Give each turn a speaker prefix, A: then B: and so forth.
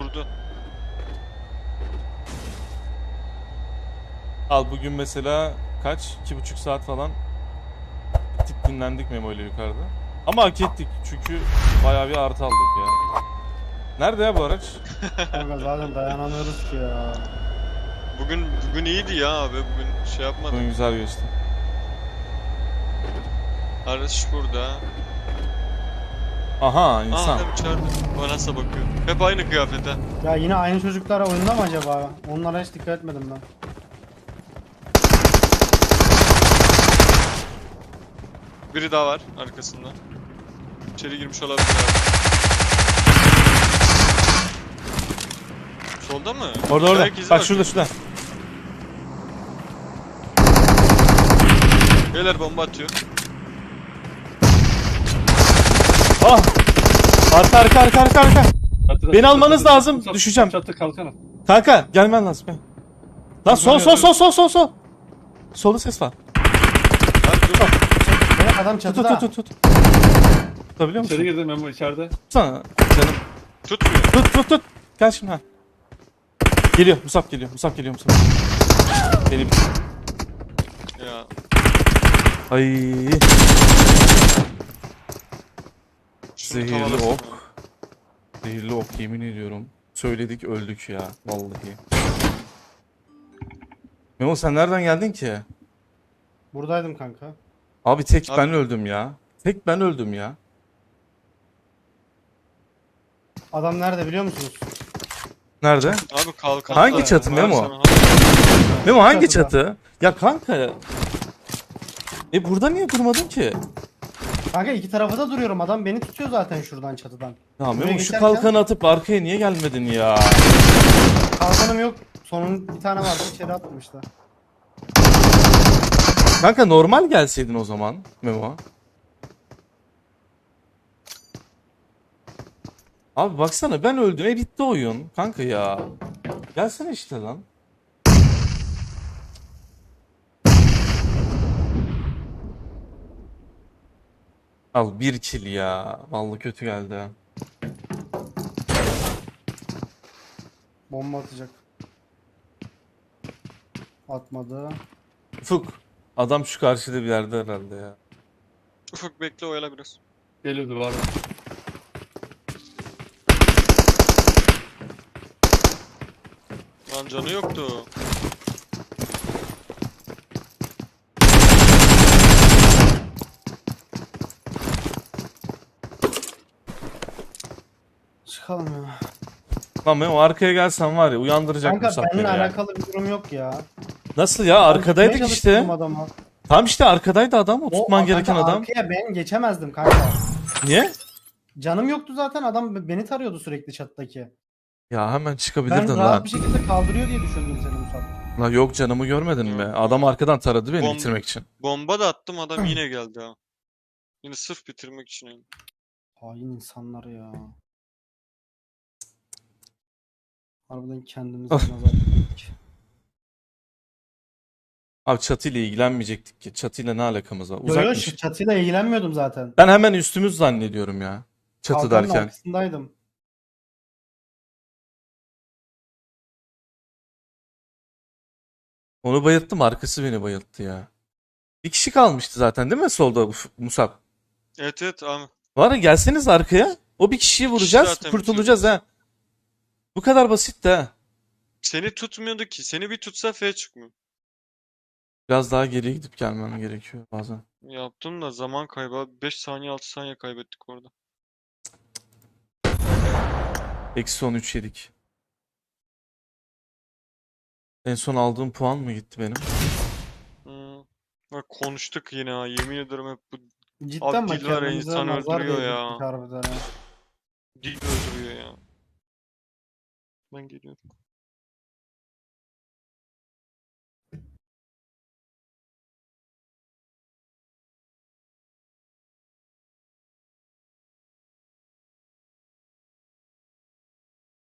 A: durdu.
B: Al bugün mesela kaç? 2,5 saat falan gittik dinlendik Memo ile yukarıda. Ama hak ettik çünkü bayağı bir artı aldık ya. Nerede ya bu araç?
C: Kanka zaten dayanamıyoruz ki ya.
A: Bugün iyiydi ya abi. Bugün şey yapmadım.
B: Bugün güzel geçti.
A: Araç burada.
B: Aha insan.
A: Adam içeride. Bana nasıl bakıyor. Hep aynı kıyafete.
C: Ya yine aynı çocuklar oyunda mı acaba? Onlara hiç dikkat etmedim ben.
A: Biri daha var arkasında. İçeri girmiş olabilir abi. Solda mı?
B: Orada.
A: Ayak izi
B: Bak
A: var.
B: şurada.
A: Beyler bomba atıyor.
B: Ah! Arka.
D: Çatıda,
B: Beni almanız
D: çatıda,
B: lazım,
D: çatı,
B: düşeceğim.
D: Çatı kalkana.
B: Kanka gelmen lazım. Gel. Lan sol. Solda ses var.
A: Abi dur.
C: Evet adam çatıda.
B: Tut. Tutabiliyor musun?
D: İçeri girdim Memo içeride.
B: Tutsana canım.
A: Tutmuyor.
B: Tut. Gel şimdi ha. Geliyor. Musab geliyor. Beni bir...
A: Ya.
B: Ay.
A: Şunu
B: Zehirli
A: tavalasın
B: ok.
A: ya.
B: Zehirli ok yemin ediyorum. Söyledik öldük ya. Vallahi. Memo sen nereden geldin ki?
C: Buradaydım kanka.
B: Abi tek
A: Abi-
B: ben öldüm ya. Tek ben öldüm ya.
C: Adam nerede biliyor musunuz?
B: Nerede?
A: Abi kalkan.
B: Hangi
A: da
B: çatı
A: var
B: Memo?
A: sana.
B: Memo hangi
C: Çatıda.
B: çatı? Ya kanka. Burada niye durmadın ki?
C: Kanka iki tarafı da duruyorum. Adam beni tutuyor zaten şuradan çatıdan.
B: Ya
C: Buraya
B: Memo şu
C: geçerken-
B: kalkanı atıp arkaya niye gelmedin ya?
C: Kalkanım yok. Sonun bir tane vardı içeri atmıştı.
B: Kanka normal gelseydin o zaman Memo. Abi baksana ben öldüm. Bitti oyun. Kanka ya. Gelsene işte lan. Al bir kill ya. Vallahi kötü geldi ha.
C: Bomba atacak. Atmadı.
B: Ufuk. Adam şu karşıda bir yerde herhalde ya.
A: Ufuk bekle oyala biraz.
D: Geliyordu var.
A: Lan canı yoktu.
C: Çıkalım ya.
B: Lan Memo arkaya gelsen var ya uyandıracak
C: Kanka
B: Musab
C: benimle
B: beni ya.
C: alakalı bir durum yok ya.
B: Nasıl ya? Arkadaydık
C: Tutmaya
B: işte.
C: çalıştım adamı.
B: Tam işte arkadaydı adam. O
C: O
B: tutman gereken
C: kanka
B: adam.
C: Arkaya ben geçemezdim kanka.
B: Niye?
C: Canım yoktu zaten adam beni tarıyordu sürekli çattaki.
B: Ya hemen
C: Ben
B: çıkabilirdin
C: rahat
B: lan.
C: bir şekilde kaldırıyor diye düşündüm seni Musab.
B: Lan yok canımı görmedin mi? Adam arkadan taradı beni
A: Bom-
B: bitirmek için.
A: Bomba da attım adam yine geldi ha. Yine sırf bitirmek için yani.
C: Hain insanlar ya. Harbiden kendimize nazar ettik.
B: Abi çatıyla ilgilenmeyecektik ki. Çatıyla ne alakamız var?
C: Yo yo
B: Uzakmış.
C: şu çatıyla ilgilenmiyordum zaten.
B: Ben hemen üstümüz zannediyorum ya. Çatı
C: Kalkanın
B: derken.
C: arkasındaydım.
B: Onu bayılttım, arkası beni bayılttı ya. Bir kişi kalmıştı zaten değil mi solda Musab?
A: Evet abi.
B: Var ya gelseniz arkaya. O bir kişiyi vuracağız,
A: zaten
B: kurtulacağız ha. Bu kadar basit de ha.
A: Seni tutmuyordu ki. Seni bir tutsa F çıkmıyor.
B: Biraz daha geriye gidip gelmem gerekiyor bazen.
A: Yaptım da zaman kaybı. 5 saniye 6 saniye kaybettik orada.
B: Eksi 13 yedik. En son aldığım puan mı gitti benim?
A: Bak konuştuk yine ha. Yemin ederim hep bu
C: Cidden
A: Abi
C: bak
A: dil var ya,
C: kendimize
A: insan
C: nazar
A: öldürüyor
C: değdirdik
A: ya.
C: harbiden ha.
A: dil öldürüyor ya. Ben geliyorum.